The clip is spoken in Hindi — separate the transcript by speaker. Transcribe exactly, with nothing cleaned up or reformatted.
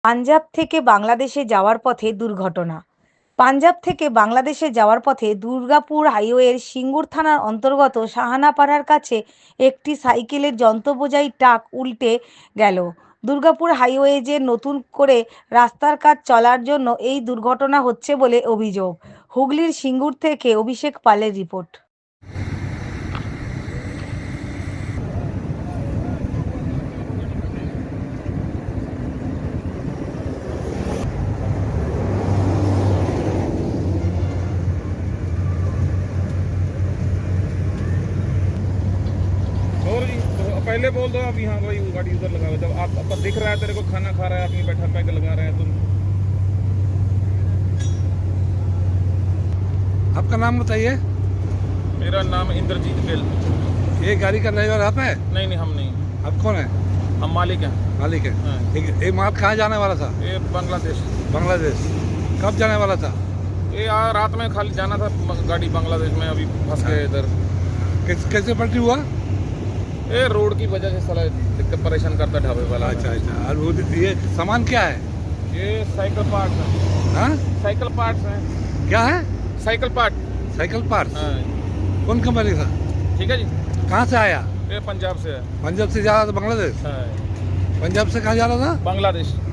Speaker 1: পাঞ্জাব থেকে বাংলাদেশে যাওয়ার পথে দুর্ঘটনা। পাঞ্জাব থেকে বাংলাদেশে যাওয়ার পথে দুর্গাপুর হাইওয়ের সিঙ্গুর থানার অন্তর্গত সাহানাপাড়ার কাছে একটি সাইকেলের যন্ত্রবোঝাই ট্রাক উল্টে গেল। দুর্গাপুর হাইওয়ে যে নতুন করে রাস্তার কাজ চলার জন্য এই দুর্ঘটনা হচ্ছে বলে অভিযোগ। হুগলির সিঙ্গুর থেকে অভিষেক পালের রিপোর্ট।
Speaker 2: और जी तो पहले बोल दो अभी। हाँ भाई वो गाड़ी उधर लगा हुआ है। जब आप आपका दिख रहा है, तेरे को खाना खा रहा है, अपनी बैठा पैक लगा रहे हैं तुम।
Speaker 3: आपका नाम बताइए।
Speaker 2: मेरा नाम इंद्रजीत गिल।
Speaker 3: ये गाड़ी का ड्राइवर आप है?
Speaker 2: नहीं नहीं, हम नहीं,
Speaker 3: आप कौन है?
Speaker 2: हम मालिक हैं।
Speaker 3: मालिक है।
Speaker 2: हाँ।
Speaker 3: एक ये माल कहाँ जाने वाला था?
Speaker 2: ये बांग्लादेश।
Speaker 3: बांग्लादेश। कब जाने वाला था?
Speaker 2: ये आ, रात में खाली जाना था गाड़ी बांग्लादेश में, अभी फंस गए इधर।
Speaker 3: कैसे कैसे पलटी हुआ?
Speaker 2: ये रोड की वजह से साला दिक्कत परेशान करता ढाबे वाला।
Speaker 3: अच्छा अच्छा। और वो ये सामान क्या है?
Speaker 2: ये साइकिल पार्ट्स हैं।
Speaker 3: हाँ,
Speaker 2: साइकिल पार्ट्स हैं।
Speaker 3: क्या है?
Speaker 2: Cycle part.
Speaker 3: Cycle part.
Speaker 2: हाँ
Speaker 3: कौन कंपनी था?
Speaker 2: ठीक है जी।
Speaker 3: कहाँ से आया?
Speaker 2: ये पंजाब से है।
Speaker 3: पंजाब से जा रहा था बांग्लादेश?
Speaker 2: हाँ
Speaker 3: पंजाब से कहाँ जा रहा था?
Speaker 2: बांग्लादेश।